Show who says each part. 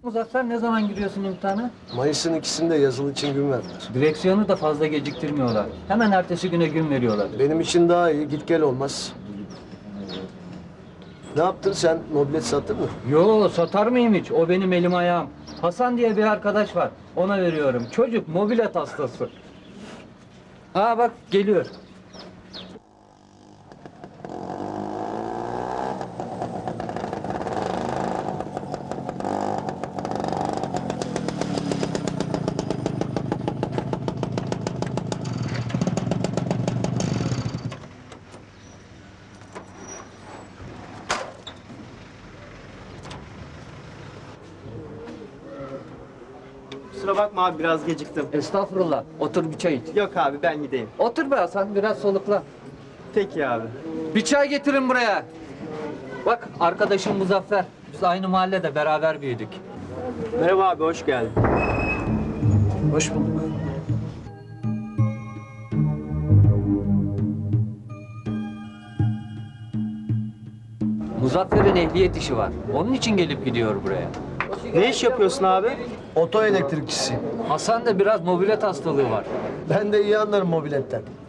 Speaker 1: Muzaffer, ne zaman giriyorsun imtihana?
Speaker 2: Mayıs'ın ikisinde yazılı için gün verdiler.
Speaker 1: Direksiyonu da fazla geciktirmiyorlar. Hemen ertesi güne gün veriyorlar.
Speaker 2: Benim için daha iyi, git gel olmaz. Ne yaptın sen? Mobilet sattın mı?
Speaker 1: Yo, satar mıyım hiç? O benim elim ayağım. Hasan diye bir arkadaş var. Ona veriyorum. Çocuk mobilet hastası. Aa bak, geliyor.
Speaker 3: Kusura bakma abi, biraz geciktim.
Speaker 1: Estağfurullah. Otur bir çay iç.
Speaker 3: Yok abi, ben gideyim.
Speaker 1: Otur be Hasan, biraz solukla.
Speaker 3: Peki abi.
Speaker 1: Bir çay getirin buraya. Bak, arkadaşım Muzaffer. Biz aynı mahallede beraber büyüdük.
Speaker 3: Merhaba abi, hoş geldin.
Speaker 2: Hoş bulduk.
Speaker 1: Muzaffer'in ehliyet işi var. Onun için gelip gidiyor buraya.
Speaker 3: Ne iş yapıyorsun abi?
Speaker 2: Oto elektrikçisi.
Speaker 1: Hasan da biraz mobilet hastalığı var.
Speaker 2: Ben de iyi anlarım mobiletten.